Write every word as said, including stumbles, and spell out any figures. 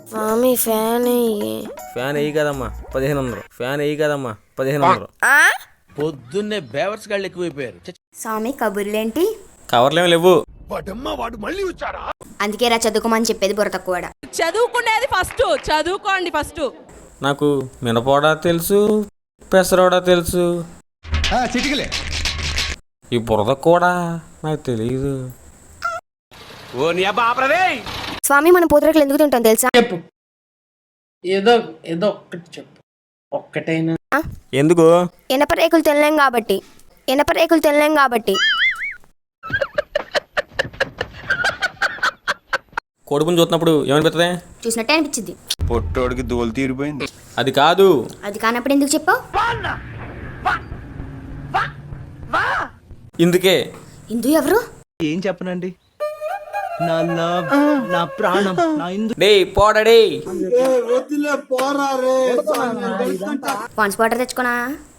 స్వామి fan fan వేయి కదమ్మా పదిహేను వందలు ఫ్యాన్ వేయి కదమ్మా పదిహేను వందలు పొద్దున్నే బేవర్స్ గాళ్ళు ఎక్కువైపోయారు. స్వామి కబుర్లేంటి? కవర్లేమి లేవు. అందుకే రా చదువుకోమని చెప్పేది బుర్ర తక్కువ. చదువుకునేది ఫస్ట్, చదువుకోండి ఫస్ట్. నాకు మినపోడా తెలుసు, పెసరోడా తెలుసు, ఈ బురద కూడా నాకు తెలియదు. స్వామి మనం పూతరేకులు ఎందుకు తింటాం తెలుసా? చెప్పు, ఏదో ఏదో ఒక్కటి చెప్పు, ఒక్కటైనా. ఎందుకు? ఇనప రేకులు తినలేం కాబట్టి. ఇనప రేకులు తినలేం కాబట్టి. కోడిపుని చూస్తున్నప్పుడు ఏమనిపిస్తుంది? చూసినట్టే అనిపించింది. పొట్టోడికి దోలు తీరిపోయింది. అది కాదు. అది కానప్పుడు ఎందుకు చెప్పావు? ఇందుకే. ఇందు ఎవరు? ఏం చెప్పనండి, నా లవ్, నా ప్రాణం, నా ఇందు. డే పోడడే పాన్స్ వాటర్ తెచ్చుకోనా?